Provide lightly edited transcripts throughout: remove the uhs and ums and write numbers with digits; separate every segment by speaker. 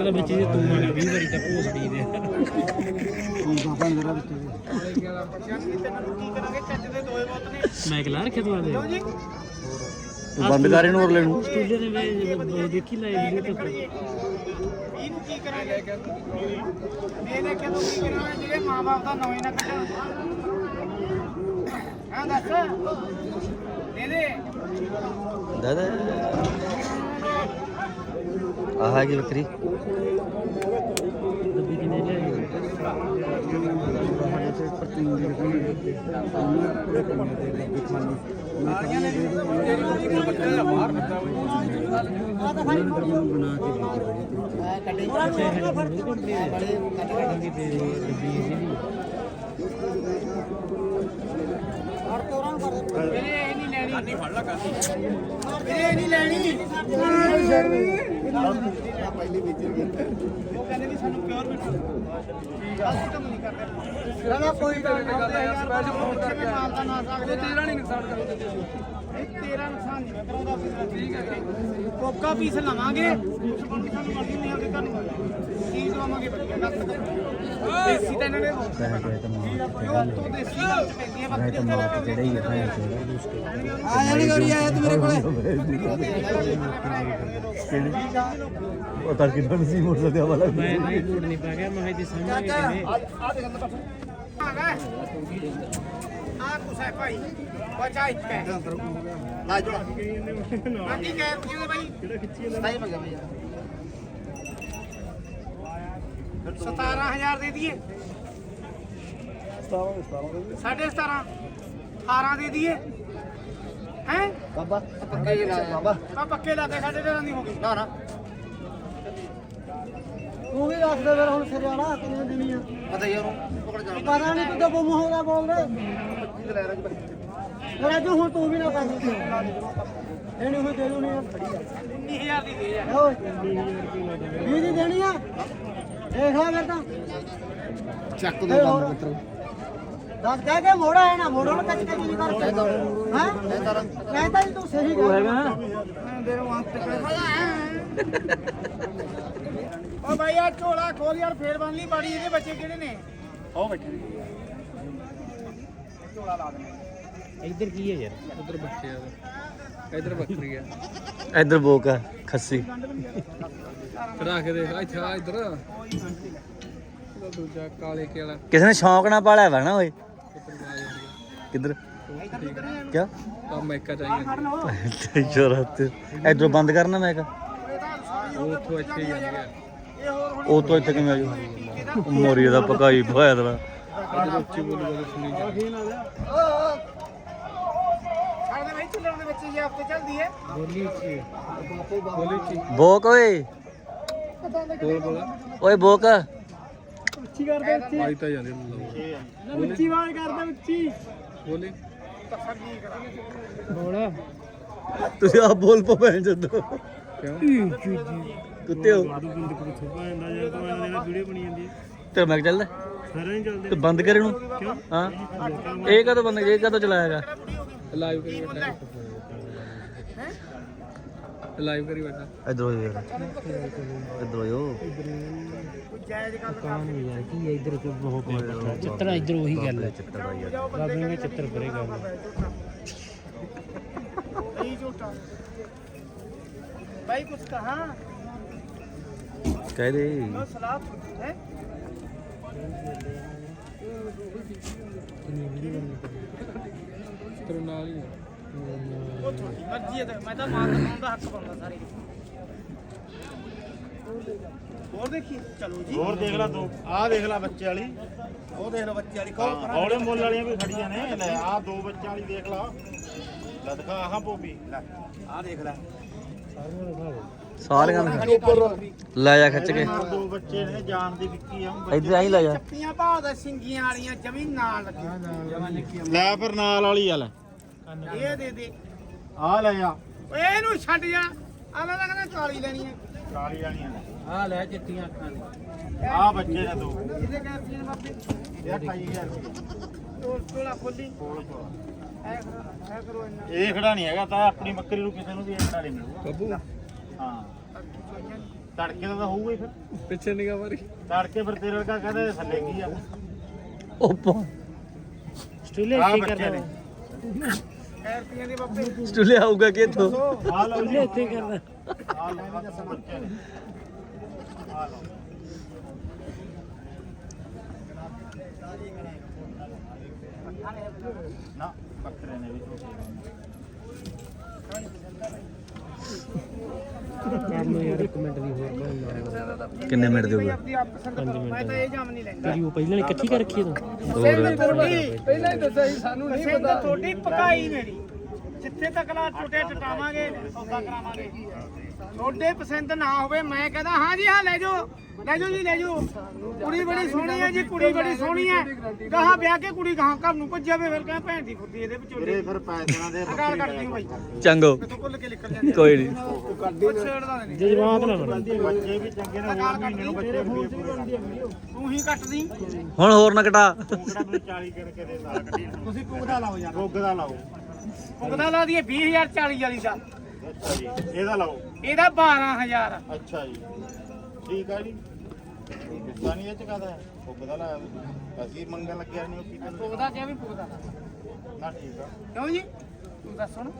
Speaker 1: ਤਾਂ ਵਿੱਚ ਜੇ ਤੂੰ ਆਣਾ 20 ਵਾਰੀ ਤਾਂ ਭੋਸੜੀ ਦੇ ਮੈਂ ਕਿਹਾ ਰੱਖਿਆ ਤੂੰ ਆਦੇ
Speaker 2: ਤੂੰ ਬੰਦ ਕਰ ਇਹਨੂੰ ਹੋਰ ਲੈਣ ਨੂੰ
Speaker 1: ਸਟੂਡੀਓ ਦੇ ਮੈਂ ਦੇਖੀ ਲਾਈ ਵੀਡੀਓ ਤੇ
Speaker 3: ਇਹਨੂੰ ਕੀ ਕਰਾਂਗੇ ਇਹਨੇ ਕਿਦੋਂ ਕੀ ਕਰਾਂਗੇ ਜਿਹੜੇ ਮਾਂ-ਬਾਪ ਦਾ ਨਾਂ ਹੀ ਨਾ ਕੱਢਣ ਹਾਂ ਦੱਸ ਦੇ
Speaker 2: ਦਾਦਾ ਆਹ ਕੀ ਬੱਕਰੀ
Speaker 1: ਦੱਬੀ ਕਿਨੇ ਲਿਆਈ
Speaker 3: ਨਹੀਂ ਲੈਣੀ ਪਹਿਲੀ ਵਿੱਚ ਉਹ ਕਹਿੰਦੇ ਵੀ ਸਾਨੂੰ ਪਿਓਰ ਮਿੱਠਾ ਅਸੀਂ ਤਾਂ ਨਹੀਂ ਕਰਦੇ ਨਾ ਕੋਈ ਗੱਲ ਨਹੀਂ ਕਰਦੇ ਯਾਰ ਸਪੈਸ਼ਲ ਫੋਨ ਕਰਕੇ ਮਾਲ ਦਾ ਨਾ ਸਕਦੇ ਤੇਰਾ ਨਹੀਂ ਨੁਕਸਾਨ ਕਰਦੇ ਤੇਰਾ ਨੁਕਸਾਨ ਨਹੀਂ ਕਰਾਉਂਦਾ ਠੀਕ ਹੈ ਕੋਕਾ ਪੀਸ ਲਵਾਂਗੇ ਸਾਨੂੰ ਮਰਜ਼ੀ ਨਹੀਂ ਆਉਂਦੀ ਤੁਹਾਨੂੰ ਚੀਜ਼ ਲਵਾਂਗੇ ਵਧੀਆ ਗੱਲ ਦੇਸੀ ਤਾਂ ਇਹਨਾਂ ਨੇ ਉਹ ਤੋਂ ਦੇਸੀ ਗੱਲ ਚ ਪੈਂਦੀ ਹੈ ਬਾਕੀ
Speaker 2: ਜਿਹੜੇ ਹੀ
Speaker 3: ਆ ਜਾਣੀ ਗੜੀ ਆਇਆ ਤੂੰ ਮੇਰੇ ਕੋਲੇ
Speaker 2: ਉਹ ਤਾਂ ਕਿਦਾਂ ਸੀ ਮੋਟਰਸਾਈਕਲ ਵਾਲਾ
Speaker 1: ਮੈਂ ਨਹੀਂ ਲੋਡ ਨਹੀਂ ਪਾ ਗਿਆ ਮੈਂ ਜੀ ਸਾਹਮਣੇ ਕਿਵੇਂ
Speaker 3: ਆ ਦੇਖ ਲੈ ਆ ਕੁਛ ਹੈ ਭਾਈ ਬਚਾ ਇੱਕ ਹੈ ਲਾ ਜੋੜਾ ਬਾਕੀ ਕਹਿ ਕਿਉਂ ਭਾਈ ਕਿਹੜਾ ਖਿੱਚੀ ਜਾਂਦਾ ਨਹੀਂ ਮੰਗਾ ਭਈਆ 17000 ਦੇ ਦਈਏ 17.5 18 ਦੇ ਦਈਏ ਹੈ
Speaker 2: ਬਾਬਾ ਪੱਕੇ ਲਾ ਬਾਬਾ
Speaker 3: ਆ ਪੱਕੇ ਲਾ ਕੇ 13.5 ਦੀ ਹੋ ਗਈ
Speaker 2: ਨਾ ਨਾ
Speaker 3: ਤੂੰ ਵੀ ਦੱਸ ਦੇ ਫਿਰ ਹੁਣ ਸਰਿਆਣਾ ਕਿੰਨੇ ਦੇਣੀ ਆ
Speaker 2: ਪਤਾ ਯਾਰ ਪਕੜ ਜਾ
Speaker 3: ਪਤਾ ਨਹੀਂ ਤੂੰ ਤਾਂ ਬੁਮ ਹੋ ਗਿਆ ਬੋਲ ਦੇ
Speaker 2: 25 ਤੇ ਲੈ ਰਾਜ
Speaker 3: ਰਾਜੂ ਹੁਣ ਤੂੰ ਵੀ ਨਾ ਕਰ ਇਹਨੂੰ ਹੋਈ ਦੇ ਦੂਣੀ ਆ 19000 ਦੀ ਦੇ ਆ ਓਏ 20 ਦੀ ਦੇਣੀ ਆ ਦੇਖ ਲੈ ਫਿਰ ਤਾਂ
Speaker 2: ਚੱਕ ਦੇ ਬੰਦ ਮਿੱਤਰ
Speaker 3: ਦੱਸ ਕਹਿ ਕੇ ਮੋੜਾ ਹੈ ਨਾ ਮੋੜੋ ਨਾ ਕੱਚ ਕੱਚ ਨਹੀਂ ਕਰ ਹਾਂ ਕਹਿੰਦਾ ਤੂੰ ਸਹੀ ਗੱਲ ਹੈਗਾ ਦੇ ਰੋ ਆਂਖ ਤੇ ਓ ਭਾਈ ਆ ਝੋਲਾ ਖੋਲ ਯਾਰ ਫੇਰ ਬਣ ਲਈ ਬਾੜੀ ਇਹਦੇ ਬੱਚੇ ਕਿਹੜੇ ਨੇ ਉਹ ਬੈਠੇ ਝੋਲਾ ਲਾ ਦੇ
Speaker 1: ਇੱਧਰ ਕੀ ਹੈ ਯਾਰ ਉਧਰ ਬੱਚੇ ਆ ਇੱਧਰ ਬੱਕਰੀ ਆ
Speaker 2: ਇੱਧਰ ਬੋਕ ਆ ਖੱਸੀ
Speaker 1: ਰੱਖ ਦੇ ਅੱਛਾ ਇੱਧਰ ਦੂਜਾ ਕਾਲੇ ਕੇ ਵਾਲਾ
Speaker 2: ਕਿਸੇ ਨੇ ਸ਼ੌਂਕ ਨਾਲ ਪਾਲਿਆ ਵਾ ਨਾ ਓਏ ਕਿੱਧਰ ਕਿਆ
Speaker 1: ਆ ਮੈਕਾ ਚਾਹੀਦਾ
Speaker 2: ਜਰਤ ਇੱਧਰੋਂ ਬੰਦ ਕਰਨਾ ਮੈਂ ਕਾ
Speaker 1: ਉਹ ਉੱਥੋਂ ਇੱਥੇ ਹੀ ਆਉਂਦੇ ਆ
Speaker 2: ਉਹ ਤੋਂ ਇੱਥੇ ਕਿਵੇਂ ਆਜੂ ਮੋਰੀ ਦਾ ਪਕਾਈ ਹੋਇਆ ਤੇਰਾ
Speaker 1: ਇੱਧਰ ਉੱਚੀ ਬੋਲੀ ਬੋਲੀ ਸੁਣੀ ਜਾ
Speaker 3: ਸਾਡੇ ਭਾਈ ਚੱਲਣ ਦੇ ਬੱਚੇ ਜੇ ਹਫਤੇ ਚੱਲਦੀ ਹੈ
Speaker 1: ਬੋਲੀ ਉੱਚੀ ਬੋਲੀ ਉੱਚੀ
Speaker 2: ਬੋਕ ਓਏ
Speaker 1: ਬੋਲ ਬੋਲਾ
Speaker 2: ਓਏ ਬੋਕ
Speaker 3: ਉੱਚੀ ਕਰਦੇ ਉੱਚੀ
Speaker 1: ਆਈ ਤਾਂ ਜਾਂਦੇ
Speaker 3: ਉੱਚੀ ਆਵਾਜ਼ ਕਰਦੇ ਉੱਚੀ
Speaker 1: ਬੋਲੀ ਬੋਲਾ
Speaker 2: ਤੁਸੀਂ ਆਪ ਬੋਲ ਪੋ ਭੈਣ ਜਦੋਂ
Speaker 1: ਕਿਉਂ
Speaker 2: ਕੁੱਤੇ ਹੋ
Speaker 1: ਬੰਦ ਕਰ ਥੋਪਾ ਜਾਂਦਾ ਯਾਰ ਤੂੰ ਇਹਨਾਂ ਵੀਡੀਓ ਬਣੀ ਜਾਂਦੀ
Speaker 2: ਤੇ ਮੈਂ ਚੱਲਦਾ
Speaker 1: ਸਾਰੇ ਨਹੀਂ ਚੱਲਦੇ
Speaker 2: ਤੇ ਬੰਦ ਕਰ ਇਹਨੂੰ
Speaker 1: ਕਿਉਂ
Speaker 2: ਹਾਂ ਇਹ ਕਦੋਂ ਬੰਦ ਇਹ ਕਦੋਂ ਚਲਾਏਗਾ
Speaker 1: ਲਾਈਵ ਕਰੀ ਬੈਠਾ ਲਾਈਵ ਕਰੀ ਬੈਠਾ
Speaker 2: ਇਧਰੋਂ ਯਾਰ ਇਧਰੋਂ ਯੋ
Speaker 1: ਕਾਮ ਨਹੀਂ ਯਾਰ ਕੀ ਹੈ ਇੱਧਰ ਕੋ ਬਹੁਤ ਪਿਆ ਚਿੱਤਰ ਇੱਧਰ ਉਹੀ ਗੱਲ ਹੈ
Speaker 2: ਚਿੱਤਰ ਦਾ ਯਾਰ
Speaker 1: ਬਾਬੇ ਨੇ ਚਿੱਤਰ ਪਰੇ ਗੱਲ
Speaker 3: ਨਹੀਂ ਝੂਠਾ ਭਾਈ ਕੁਛ ਕਹਾ
Speaker 2: ਕਹਿ ਦੇ
Speaker 3: ਉਹ ਸਲਾਹ ਹੈ
Speaker 1: ਤੇਰੇ ਨਾਲ ਹੀ
Speaker 3: ਉਹ ਤੁਹਾਡੀ ਮਰਜ਼ੀ ਹੈ ਤੇ ਮੈਂ ਤਾਂ ਮਾਲ ਦਿਖਾਉਣ ਦਾ ਹੱਕ ਪਾਉਂਦਾ ਸਾਰੇ ਹੋਰ ਦੇਖੀ ਚਲੋ ਜੀ
Speaker 4: ਹੋਰ ਦੇਖ ਲੈ ਤੂੰ ਆਹ ਦੇਖ ਲੈ ਬੱਚੇ ਵਾਲੀ
Speaker 3: ਉਹ ਦੇਖ ਲਓ ਬੱਚੇ ਵਾਲੀ ਕੋਲ
Speaker 4: ਔਲੇ ਮੁੱਲ ਵਾਲੀਆਂ ਵੀ ਖੜੀਆਂ ਨੇ ਲੈ ਆਹ ਦੋ ਬੱਚਿਆਂ ਵਾਲੀ ਦੇਖ ਲਾ ਲੈ ਦਿਖਾ ਆਹ ਪੋਪੀ ਲੈ
Speaker 3: ਆਹ ਦੇਖ ਲੈ
Speaker 2: ਸਾਰੀਆਂ ਨੂੰ ਲੈ ਜਾ ਖਿੱਚ ਕੇ
Speaker 4: ਆਹ ਦੋ ਬੱਚੇ ਨੇ ਜਾਨ ਦੀ ਵਿੱਕੀ ਆ
Speaker 2: ਇੱਧਰ ਆਈ ਲੈ ਜਾ
Speaker 3: ਚੱਪੀਆਂ ਭਾਲਦਾ ਸਿੰਗੀਆਂ ਵਾਲੀਆਂ ਜਮੀ ਨਾਲ ਲੱਗੀਆਂ
Speaker 4: ਲੈ ਫਿਰ ਨਾਲ ਵਾਲੀ ਆ ਲੈ
Speaker 3: ਇਹ ਦੇ ਦੇ
Speaker 4: ਆਹ ਲੈ ਆ
Speaker 3: ਓਏ ਇਹਨੂੰ ਛੱਡ ਜਾ ਆ ਮੈਂ ਤਾਂ ਕਹਿੰਦਾ ਕਾਲੀ ਲੈਣੀ ਹੈ
Speaker 4: ਕਾਲੀ ਵਾਲੀਆਂ ਨੇ
Speaker 1: ਆ ਲੈ ਚਿੱਟੀਆਂ ਅੱਖਾਂ ਦੀ
Speaker 4: ਆਹ ਬੱਚੇ ਨੇ ਦੋ
Speaker 3: ਇਹਦੇ ਕਹਿੰਦੇ ਨੇ ਬਾਪੇ
Speaker 4: ਇਹ 28000
Speaker 3: ਟੋਲਾ ਖੋਲੀ
Speaker 4: ਕੋਲ ਕੋਲ
Speaker 3: ਐ ਕਰੋ ਇੰਨਾ
Speaker 4: ਇਹ ਖੜਾ ਨਹੀਂ ਹੈਗਾ ਤਾਂ ਆਪਣੀ ਬੱਕਰੀ ਨੂੰ ਕਿਸੇ ਨੂੰ ਵੀ ਇਹ ਖੜਾ ਨਹੀਂ ਮਿਲੂਗਾ
Speaker 1: ਬੱਬੂ
Speaker 4: ਹਾਂ ਤੜਕੇ ਦਾ ਤਾਂ ਹੋਊਗਾ ਹੀ ਫਿਰ
Speaker 3: ਪਿੱਛੇ ਨਿਗਾ ਮਾਰੀ
Speaker 4: ਤੜਕੇ ਫਿਰ ਤੇਰੇ ਵਰਗਾ ਕਹਿੰਦੇ ਥੱਲੇ ਕੀ ਆ
Speaker 2: ਓਪੋ
Speaker 1: ਸਟੂਲੇ
Speaker 4: ਆ
Speaker 1: ਇੱਥੇ
Speaker 4: ਬੱਚੇ
Speaker 1: ਕਰਦਾ
Speaker 4: ਨੇ
Speaker 3: ਰੁਪਈਆਂ ਦੇ ਬਾਬੇ
Speaker 2: ਸਟੂਲੇ ਆਊਗਾ ਕਿੱਥੋਂ
Speaker 4: ਆ ਲਓ
Speaker 1: ਸਟੂਲੇ ਇੱਥੇ ਕਰਦਾ
Speaker 4: ਆ ਲਓ ਬੱਚੇ ਨੇ ਆ ਲਓ ਨਾ ਬੱਕਰੇ ਨੇ ਵੀ
Speaker 1: ਕਰ ਲੋ ਯਾਰ 1 ਮਿੰਟ ਦੀ ਹੋਰ ਭਾਈ
Speaker 2: ਕਿੰਨੇ ਮਿੰਟ ਦੇਊਗਾ
Speaker 3: ਆਪਦੀ ਆਪ ਪਸੰਦ ਕਰੋ ਮੈਂ ਤਾਂ ਇਹ ਜਾਮ ਨਹੀਂ ਲੈਂਦਾ
Speaker 1: ਤੇਰੀ ਉਹ ਪਹਿਲਾਂ ਹੀ ਇਕੱਠੀ ਕਰ ਰੱਖੀ ਤੂੰ
Speaker 3: ਪਹਿਲਾਂ ਹੀ ਦੱਸਿਆ ਸੀ ਸਾਨੂੰ ਨਹੀਂ ਪਤਾ ਤੁਹਾਡੀ ਪਕਾਈ ਮੇਰੀ ਜਿੱਥੇ ਤੱਕ ਲਾ ਟੁੱਟੇ ਟਟਾਵਾਂਗੇ ਸੌਦਾ ਕਰਾਵਾਂਗੇ ਤੁਹਾਡੇ ਪਸੰਦ ਨਾ ਹੋਵੇ ਮੈਂ ਕਹਿੰਦਾ ਹਾਂ ਜੀ ਹਾਂ ਲੈ ਜਾਓ ਜੀ ਲੈ ਜਾਓ ਕੁੜੀ ਬੜੀ ਸੋਹਣੀ ਹੈ ਜੀ ਕੁੜੀ ਬੜੀ ਸੋਹਣੀ ਹੈ ਕਹਾਂ ਵਿਆਹ ਕੇ ਕੁੜੀ ਕਹਾਂ ਘਰ ਨੂੰ ਭੱਜ ਜਾਵੇ ਫਿਰ ਕਹਿੰਦਾ ਭੈਣ ਦੀ ਫੁੱਦੀ ਇਹਦੇ ਵਿਚੋਲੇ
Speaker 4: ਵੀਰੇ ਫਿਰ ਪੈਸਿਆਂ ਦੇ
Speaker 3: ਅਕਾਲ ਕੱਢਦੀ ਬਾਈ
Speaker 2: ਚੰਗੋ
Speaker 3: ਤੂੰ ਭੁੱਲ ਕੇ ਨਿਕਲ ਜਾਂਦੀ
Speaker 2: ਕੋਈ ਨਹੀਂ
Speaker 3: ਉਹ ਛੇੜਦਾ ਨਹੀਂ
Speaker 1: ਜਜ਼ਬਾਤ ਨਾ ਬਣ
Speaker 4: ਬੱਚੇ ਵੀ ਚੰਗੇ ਨੇ ਹੋਰ ਮਹੀਨੇ ਨੂੰ ਬੱਚੇ ਵੀ ਪੂਰੇ
Speaker 3: ਤੂੰ ਹੀ ਕੱਟਦੀ
Speaker 2: ਹੁਣ ਹੋਰ ਨਾ ਕਟਾ
Speaker 4: ਤੂੰ ਕਿਹੜਾ ਮੈਨੂੰ 40 ਕਰਕੇ ਦੇ ਨਾਲ ਕੱਢੀ
Speaker 3: ਤੁਸੀਂ ਪੁੱਗਦਾ ਲਾਓ ਯਾਰ
Speaker 4: ਭੁੱਗ ਦਾ ਲਾਓ
Speaker 3: ਪੁੱਗਦਾ ਲਾ ਦਈਏ 20000 40 ਵਾਲੀ ਦਾ
Speaker 4: ਅੱਛਾ ਜੀ ਇਹਦਾ ਲਾਓ
Speaker 3: ਇਹਦਾ 12000
Speaker 4: ਅੱਛਾ ਜੀ ਠੀਕ ਆ ਜੀ ਗੁੱਸਾ ਨਹੀਂ ਇਹ ਚ ਕਾਦਾ ਭੁੱਗ ਦਾ ਲਾਇਆ ਤੁਸੀਂ। ਅਸੀਂ ਮੰਗਣ ਲੱਗਿਆ ਨਹੀਂ ਉਹ ਪੀਤੇ ਨੂੰ
Speaker 3: ਪੁੱਗਦਾ ਕਿਹਾ ਵੀ ਪੁੱਗਦਾ
Speaker 4: ਨਾ ਠੀਕ ਆ
Speaker 3: ਕਿਉਂ ਜੀ ਤੂੰ ਦੱਸ ਹੁਣ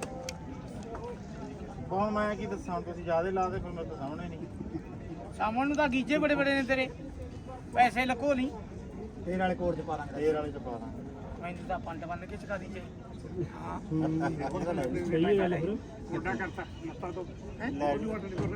Speaker 4: ਕੌਣ ਮੈਂ ਕੀ ਦੱਸਾਂ ਤੁਸੀਂ ਜਿਆਦੇ ਲਾ ਦੇ ਫਿਰ ਮੇਰੇ ਤੋਂ ਸਾਹਮਣੇ ਨਹੀਂ
Speaker 3: ਸਾਹਮਣ ਨੂੰ ਤਾਂ ਗੀਜੇ ਬੜੇ ਬੜੇ ਨੇ ਤੇਰੇ ਪੈਸੇ ਲਕੋ ਲਈ
Speaker 4: ਤੇਰੇ ਵਾਲੇ ਕੋਰ ਚ ਪਾ ਦਾਂਗੇ ਤੇਰੇ ਵਾਲੇ ਚ ਪਾ ਦਾਂਗੇ
Speaker 3: ਮੈਨੂੰ ਤਾਂ ਪੰਡ ਬੰਨ ਕੇ ਚਕਾ ਦੀ ਚਾਹੀ ਹਾਂ
Speaker 1: ਸਹੀ ਗੱਲ ਫਿਰ
Speaker 3: ਮੋਟਾ ਕਰਤਾ ਮੱਤਾ ਤੋਂ
Speaker 4: ਲੈ ਜੀ।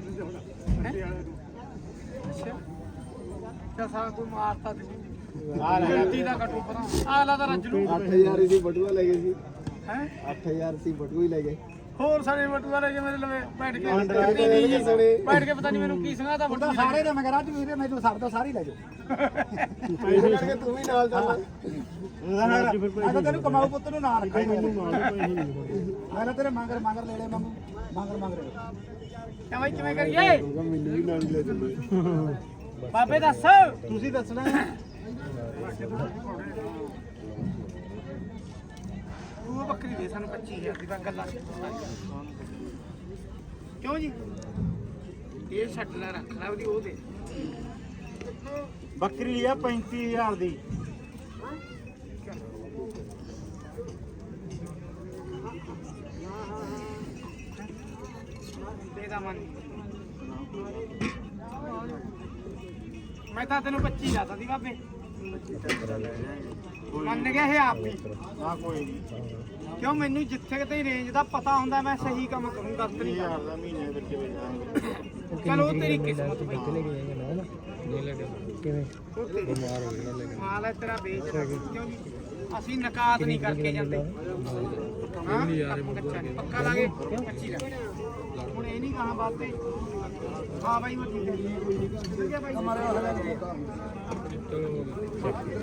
Speaker 3: ਅੱਛਾ ਸਾਰਾ ਕੋਈ ਮਾਰਤਾ ਤੇ
Speaker 4: ਆ ਲੈ
Speaker 3: ਗਲਤੀ ਦਾ ਕਟੂ ਪਰਾਂ ਆਲਾ ਤਾਂ ਰੱਜ ਨੂੰ
Speaker 5: 8000 ਦੀ ਬਟੂਆ ਲੈ ਗਏ ਸੀ
Speaker 3: ਹੈ
Speaker 5: 8000 ਸੀ ਬਟੂਆ ਹੀ ਲੈ ਗਏ
Speaker 3: ਹੋਰ ਸਾਰੇ ਬਟੂਆ ਲੈ ਕੇ ਮੇਰੇ ਲਵੇ ਬੈਠ ਕੇ
Speaker 4: ਪੰਡ
Speaker 3: ਬੈਠ ਕੇ ਪਤਾ ਨਹੀਂ ਮੈਨੂੰ ਕੀ ਸੰਗਾ ਤਾਂ ਬਟੂਆ ਸਾਰੇ
Speaker 5: ਸਾਰੇ ਮੈਂ ਕਰਾਂ ਅੱਜ ਵੀਰੇ ਮੈਨੂੰ ਛੱਡ ਦੋ ਸਾਰੇ ਲੈ ਜਾਓ ਪੈਸੇ ਕਰਕੇ ਤੂੰ ਵੀ ਨਾਲ ਚੱਲ
Speaker 4: ਉਹਦਾ
Speaker 5: ਮੈਂ ਤੈਨੂੰ ਕਮਾਊ ਪੁੱਤ ਨੂੰ ਨਾ ਰੱਖਾਂ
Speaker 1: ਮੈਨੂੰ ਮਾਰ ਪੈਸੇ ਨਹੀਂ ਹੋਰ
Speaker 5: ਮੈਂ ਤੇਰੇ ਮੰਗਰ ਲੈ ਲੈ ਮੰਗੂ ਮੰਗਰ
Speaker 3: ਕਿਵੇਂ ਕਿਵੇਂ ਕਰੀਏ
Speaker 5: ਮੈਨੂੰ ਵੀ ਨਾਲ ਲੈ ਚੱਲੇ
Speaker 3: ਬਾਬੇ ਦੱਸ
Speaker 5: ਤੁਸੀਂ ਦੱਸਣਾ
Speaker 3: ਉਹ ਬੱਕਰੀ ਦੇ ਸਾਨੂੰ 25000 ਦੀ ਤਾਂ ਗੱਲਾਂ ਕਿਉਂ ਜੀ ਇਹ ਛੱਡ ਲੈ ਰੱਖ ਲੈ ਉਹਦੀ ਉਹ ਦੇ
Speaker 4: ਬੱਕਰੀ ਆ 35000 ਦੀ
Speaker 3: ਦੇ ਦਾ ਮਨ ਮੈਂ ਤਾਂ ਤੈਨੂੰ 25 ਲਾਤਾ ਸੀ ਬਾਬੇ ਮੰਨ ਗਿਆ ਇਹ ਆਪ ਹੀ
Speaker 4: ਨਾ ਕੋਈ ਨਹੀਂ
Speaker 3: ਕਿਉਂ ਮੈਨੂੰ ਜਿੱਥੇ ਕਿਤੇ ਰੇਂਜ ਦਾ ਪਤਾ ਹੁੰਦਾ ਮੈਂ ਸਹੀ ਕੰਮ ਕਰੂੰ ਗਲਤ ਨਹੀਂ
Speaker 4: 30000 ਦਾ ਮਹੀਨੇ ਵਿੱਚ ਵੇਚਾਂਗੇ
Speaker 3: ਚਲੋ ਉਹ ਤੇਰੀ ਕਿਸਮਤ ਬਈ
Speaker 1: ਕਿਵੇਂ
Speaker 3: ਉਹ ਤੇਰੀ ਮਾਲ ਹੈ ਤੇਰਾ ਵੇਚ ਕਿਉਂ ਜੀ ਅਸੀਂ ਨਕਾਤ ਨਹੀਂ ਕਰਕੇ ਜਾਂਦੇ ਹਾਂ ਪੱਕਾ ਲਾਗੇ 25 ਲਾ ਹੁਣ ਇਹ ਨਹੀਂ ਕਹਾਂ ਬਾਤ ਤੇ ਹਾਂ ਬਾਈ ਮੈਂ ਠੀਕ ਹੈ ਠੀਕ ਹੈ ਬਾਈ